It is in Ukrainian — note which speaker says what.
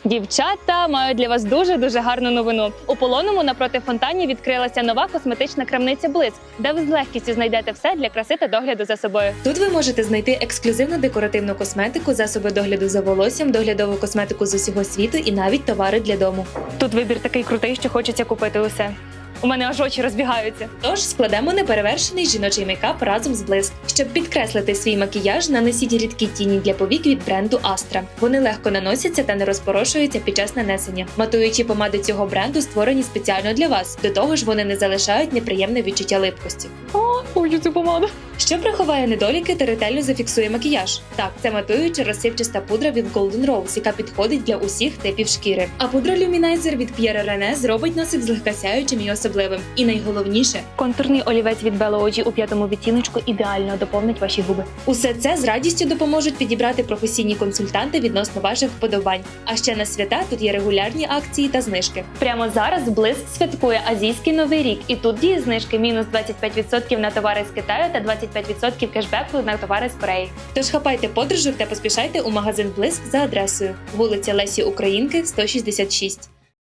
Speaker 1: Дівчата, маю для вас дуже гарну новину. У Полонному напроти фонтані відкрилася нова косметична крамниця «Блиск», де ви з легкістю знайдете все для краси та догляду за собою.
Speaker 2: Тут ви можете знайти ексклюзивну декоративну косметику, засоби догляду за волоссям, доглядову косметику з усього світу і навіть товари для дому.
Speaker 1: Тут вибір такий крутий, що хочеться купити усе. У мене аж очі розбігаються.
Speaker 2: Тож складемо неперевершений жіночий мейкап разом з Блиск. Щоб підкреслити свій макіяж, нанесіть рідкі тіні для повік від бренду Astra. Вони легко наносяться та не розпорошуються під час нанесення. Матуючі помади цього бренду створені спеціально для вас. До того ж, вони не залишають неприємне відчуття липкості.
Speaker 1: Хочу цю помаду.
Speaker 2: Що приховає недоліки та ретельно зафіксує макіяж? Так, це матуюча розсипчаста пудра від Golden Rose, яка підходить для усіх типів шкіри. А пудра Luminizer від Pierre René зробить носик злегка сяючим і особливим. І найголовніше,
Speaker 1: Контурний олівець від Bello OG у 5-му відтіночку ідеально доповнить ваші губи.
Speaker 2: усе це з радістю допоможуть підібрати професійні консультанти відносно ваших вподобань. А ще на свята тут є регулярні акції та знижки.
Speaker 1: Прямо зараз Блиск святкує азійський новий рік, і тут діє знижки мінус 25% на товари з Китаю та 25% кешбеку на товари з Кореї.
Speaker 2: Тож хапайте подорожок та поспішайте у магазин Блиск за адресою вулиця Лесі Українки, 166.